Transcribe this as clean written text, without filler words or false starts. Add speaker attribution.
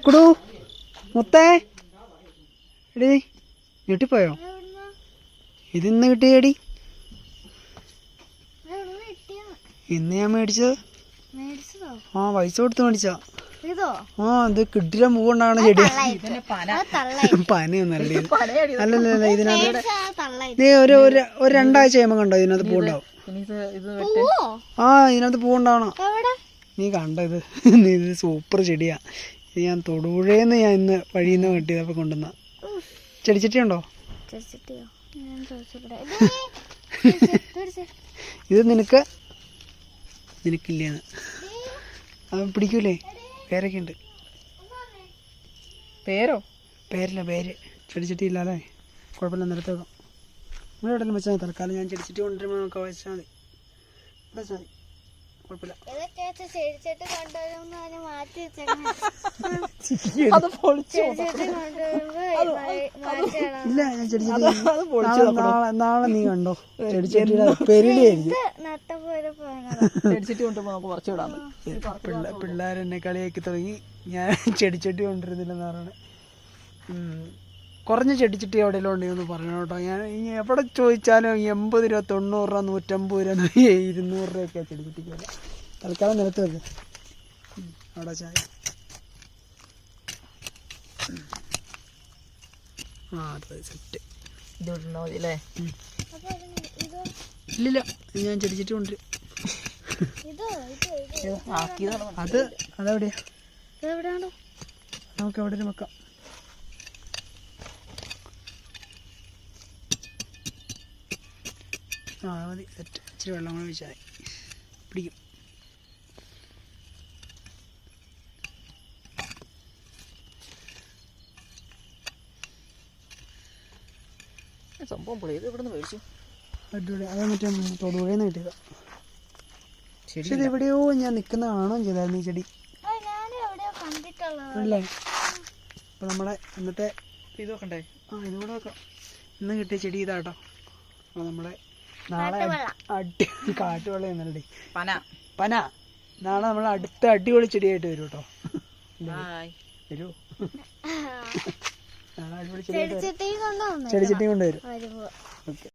Speaker 1: കുടു മുത്തേ എടി ഞെട്ടിപ്പോയോ? ഇതിന്ന് കിട്ടിയടി. ഇന്ന് ഞാൻ മേടിച്ചത്. ആ പൈസ കൊടുത്ത് മേടിച്ചാ. ആ ഇത് കിട്ടിയ മൂവുണ്ടാണ് ചെടി. പനയൊന്നല്ല അല്ലല്ല ഇതിനകത്ത് ഒരു രണ്ടാഴ്ച കഴിയുമ്പോ കണ്ടോ ഇതിനകത്ത് പൂവുണ്ടാവും. ആ ഇതിനകത്ത് പൂവുണ്ടാവണം. നീ കണ്ട ഇത് ഇത് സൂപ്പർ ചെടിയാ. ഇത് ഞാൻ തൊടുപുഴേന്ന് ഞാൻ ഇന്ന് വഴിയിൽ നിന്ന് വെട്ടിയതപ്പോ കൊണ്ടുവന്ന ചെടിച്ചട്ടി ഉണ്ടോ? ഇത് നിനക്കില്ലേന്ന് അവൻ പിടിക്കൂലേ? പേരൊക്കെ ഉണ്ട്. പേരില്ല പേര്. ചെടിച്ചട്ടി ഇല്ലാതെ കുഴപ്പമില്ല, നിരത്ത് വെക്കാം. ഇവിടെ എവിടെയെങ്കിലും വെച്ചാൽ മതി. തൽക്കാലം ഞാൻ ചെടിച്ചട്ടി കൊണ്ടുവരുമ്പോൾ നമുക്ക് വെച്ചാൽ മതി. ഇവിടെ വെച്ചാൽ മതി, കുഴപ്പമില്ല. ഇല്ല ഞാൻ ചെടിച്ചട്ടി നാളെ നീ കണ്ടോ ചെടിച്ചട്ടിയുടെ പെരിലായിരിക്കും. പിള്ളേരെന്നെ കളിയാക്കി തുടങ്ങി ഞാൻ ചെടിച്ചട്ടി കൊണ്ടിരുന്നില്ലെന്ന് പറയണേ. കുറഞ്ഞ ചെടിച്ചട്ടി എവിടെയെല്ലാം ഉണ്ടെന്ന് പറയണം കേട്ടോ. ഞാൻ ഇനി എവിടെ ചോദിച്ചാലും 80 രൂപ, 90 രൂപ, 150 രൂപ, 200 രൂപയൊക്കെയാണ് ചെടിച്ചട്ടിക്ക് വരിക. തൽക്കാലം നിലത്ത് വെക്ക്. അവിടെ ചായ. ആ അതെ സെറ്റ്. ഇല്ലില്ല ഞാൻ ചെടിച്ചട്ടി കൊണ്ടുവരും. അതെവിടെയാ? നമുക്ക് എവിടെ വെക്കാം. ആ മതി സെറ്റ്. ഇച്ചിരി വെള്ളം കൂടെ ഒഴിച്ചാൽ പിടിക്കും.
Speaker 2: സംഭവം പൊളി. ഇത് ഇവിടെ നിന്ന് മേടിച്ചു.
Speaker 1: അടിപൊളി. അത് മറ്റേ തൊടുപുഴയിൽ കിട്ടിയതാ. പക്ഷെ ഇത് എവിടെയോ ഞാൻ നിൽക്കുന്ന കാണുകയും ചെയ്തായിരുന്നു ഈ ചെടി അല്ലേ. അപ്പൊ നമ്മളെ ഇന്നത്തെ
Speaker 2: ഇത് നോക്കണ്ടേ?
Speaker 1: ആ ഇതുകൂടെ വെക്കാം. ഇന്ന് കിട്ടിയ ചെടി ഇതാട്ടോ. അപ്പൊ നമ്മളെ നാളെ കാട്ടുവെള്ളം എന്നല്ലേ പന. നാളെ നമ്മളെ അടുത്ത അടിപൊളി ചെടിയായിട്ട് വരും കേട്ടോ. വരൂ. നാളെ അടിപൊളി ചെടിയായിട്ട് ചെടിച്ചട്ടി കൊണ്ടുവരും. ഓക്കെ.